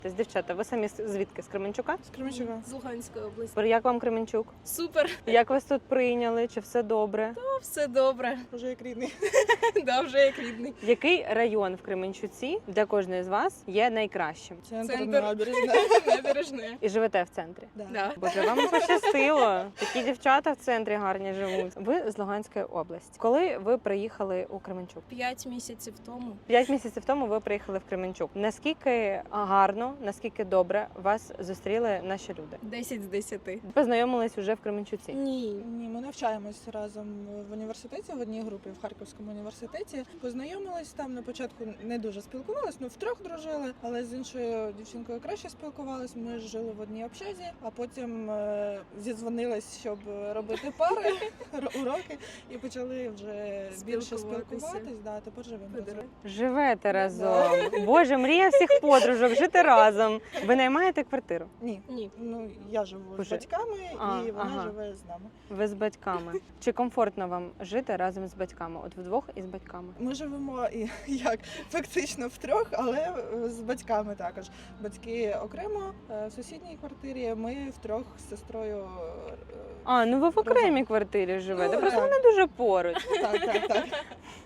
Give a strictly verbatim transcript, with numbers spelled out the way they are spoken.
Тобто, дівчата, ви самі з- звідки? З Кременчука? З Кременчука. З Луганської області. Як вам Кременчук? Супер, Як вас тут прийняли? Чи все добре? ну, все добре. Уже як рідний. Да, вже як рідний. Який район в Кременчуці для кожної з вас є найкращим? Центр, Центр. набережна. Набережне. І живете в центрі? Да. Да. Боже, вам пощастило. Такі дівчата в центрі гарні живуть. Ви з Луганської області. Коли ви приїхали у Кременчук? П'ять місяців тому. П'ять місяців тому ви приїхали в Кременчук. Наскільки гарно, наскільки добре вас зустріли наші люди? Десять з десяти. Познайомились уже в Кременчуці. Ні. Ні, ми навчаємось разом в університеті, в одній групі в Харківському університеті. Познайомились там на початку, не дуже спілкувались, ну втрьох дружили, але з іншою дівчинкою краще спілкувались. Ми жили в одній общазі, а потім е, зідзвонились, щоб робити пари, р- уроки, і почали вже більше Спілкуватися. спілкуватись. Да, тепер живемо разом. Живете разом. Боже, мрія всіх подружок жити разом. Ви наймаєте квартиру? Ні. Ні. Ну, я живу Уже? з батьками, А, і вона ага. живе з нами. Ви з батьками. Чи комфортно вам жити разом з батьками? От вдвох із батьками? Ми живемо і як фактично втрьох, але е, з батьками також. Батьки окремо е, в сусідній квартирі. Ми втрьох з сестрою. е, А, ну ви в окремій квартирі живете. Ну, Просто так. вони дуже поруч. Так, так, так.